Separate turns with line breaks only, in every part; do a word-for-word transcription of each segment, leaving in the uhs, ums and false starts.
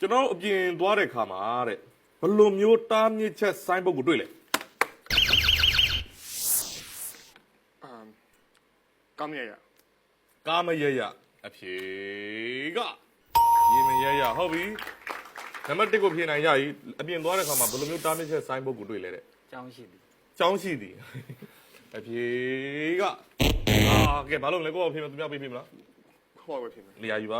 ကျွန်တော်အပြင်သွားတဲ့ခါမှာတဲ့ဘယ်လိုမျိုးတားမြစ်ချက်ဆိုင်းဘုတ်ကိုတွေ့လဲ
အမ်ကောင်းရရ
ကာမရရအဖြေကရေမရရဟုတ်ပြီနံပါတ်တစ်ကိုဖြေနိုင်ရပြီအပြင်သွားတဲ့ခါမှာဘယ်လိုမျိုးတားမြစ်ချက်ဆိုင်းဘုတ်ကိုတွေ့လဲတဲ့
ကျောင်းရှိသည်
ကျောင်းရှိသည်အဖြေကအာကဲဘာလို့လဲကိုယ့်အဖြေမသူများပေးပြီမလား
ခေါ်ဝယ်ဖြစ်မယ်
နေရာယူပါ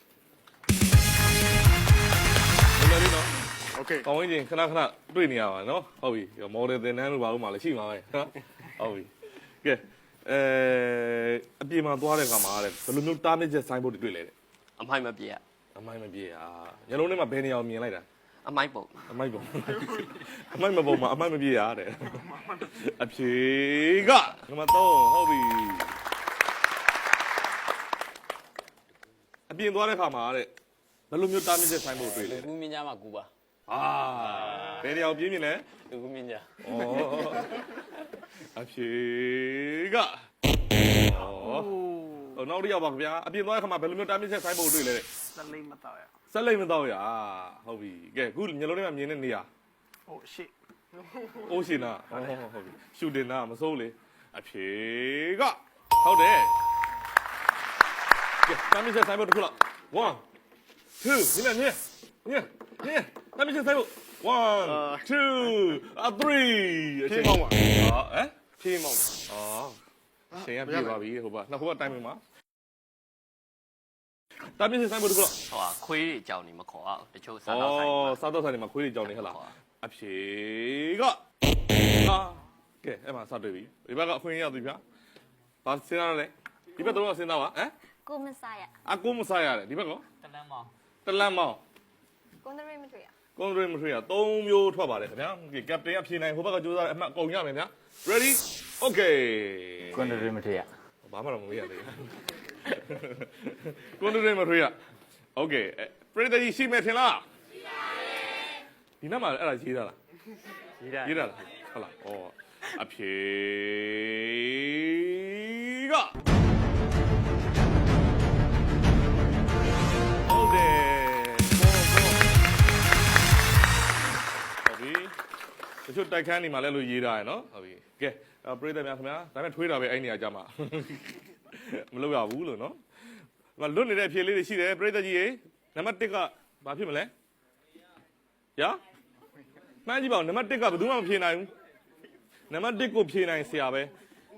နေရာလေးနော်
โอเค
ကောင်းဝင်ချင်းခဏခဏတွေ့နေရပါနော်ဟုတ်ပြီမော်ဒယ်သင်တန်းလို့ပါလို့မှလည်းရှိမှာပဲနော်ဟုတ်ပြီကဲအဲအပြင်မှာသွားတဲ့ခါမှာတဲ့ဘယ်လိုမျိုးတားမြစ်ချက်ဆိုင်းဘုတ်တွေတွေ့လဲတဲ့အ
မိုက်မပြေရ
အမိုက်မပြေอ่ะညလုံးထဲမှာဘယ်နေရာကိုမြင်လိုက်တာ
အမိုက်ပုံ
အမိုက်ပုံအမိုက်မပုံမှာအမိုက်မပြေရတဲ့အဖြေကနံပါတ်သုံးဟုတ်ပြီအပြင်သွားတဲ့ခါမှာတဲ့ဘယ်လိုမျိုးတားမြစ်ချက်ဆိုင်းဘုတ်တွေ့လဲ
လူကူမြင့်ကြမှာကူပါ
အာဘယ်နေရာကိုပြင်းမြင်လဲ
လူကူမြင့်ကြ
ဩအဖြေကဩဟိုနောက်တစ်ယောက်ပါခင်ဗျာအပြင်သွားတဲ့ခါမှာဘယ်လိုမျိုးတားမြစ်ချက်ဆိုင်းဘုတ်တွေ့လဲတဲ့
စလိမ့်မတော့ရ
ဆက်လိုက်မတော့ရဟုတ်ပြီကဲအခုညလုံးထဲမှာမြင်တဲ့နေရာ
ဟိုရှေ့
အိုးရှင်နာဟုတ်ဟုတ်ပြီရှူတင်နာမစိုးလေအဖြေကဟုတ်တယ်ကဲတမ်းမချက်ဆိုင်ဖို့တစ်ခုလောက်one two ဒီမဲ့မြင်မြင်မြင်တမ်းမချက်ဆိုင်ဖို့one two three
ဖြေးမောင်းပါ
ဟမ်
ဖြေးမောင်း
အော်ရှင်ရပြေပါပြီဟိုပါနှစ်ခုကတိုင်မင်ပါတမ်းမချက်ဆိုင်ဖို့တစ်ခုလောက်
ဟိုဟာခွေးတွေကြောင်နေမခေါ်အောင်တချို့စား
ဩ
တော့ဆိုင်မှာ
စားတော့ဆိုင်တွေမှာခွေးတွေကြောင်နေဟဲ့လားအဖြေကဟာကဲအဲ့မှာစတွေ့ပြီဒီဘက်ကအခွင့်ရပြီဗျာဘာစဉ်းစားရလဲဒီဘက်တော့စဉ်းစားပါဟမ်
ကိုမစားရ
အကူမစားရတယ်ဒီဘက်ကော
တလန်းမောင်
တလန့်မောင်း
ကွန်ဒရိမတွေ့ရ
ကွန်ဒရင်းမထွေးရသုံးမျိုးထွက်ပါတယ်ခင်ဗျာကကပတိန်ကဖြေနိုင်ဟိုဘက်ကကြိုးစားအမှတ်အကုန်ရမယ်ဗျာ ready okay
ကွန်ဒရီမထေရ
ဘာမှတော့မမေးရသေးဘူးကွန်ဒရင်းမထွေးရ okay ပရိသတ်ကြီးရှိမယ်ထင်လားရှိပါတယ်ဒီနောက်မှာအဲ့ဒါရေးတာလား
ရေးတာ
ရေးတာလားဟုတ်လားဩအဖြေကဟုတ်တယ်ဟုတ်ပြီတချို့တိုက်ခန်းနေမှာလဲလို့ရေးတာရယ်နော်ဟုတ်ပြီကဲပရိသတ်များခင်ဗျာဒါပေမဲ့ထွေးတာပဲအဲ့နေရာကြမှာမလုပ်ရဘူးလို့နော်မလွတ်နေတဲ့အဖြေလေးတွေရှိတယ်ပရိသတ်ကြီးရေနံပါတ်တစ်ကဘာဖြစ်မလဲရမှန်းကြည့်ပါဦးနံပါတ်တစ်ကဘယ်သူမှမဖြေနိုင်ဘူးနံပါတ်တစ်ကိုဖြေနိုင်ဆရာပဲ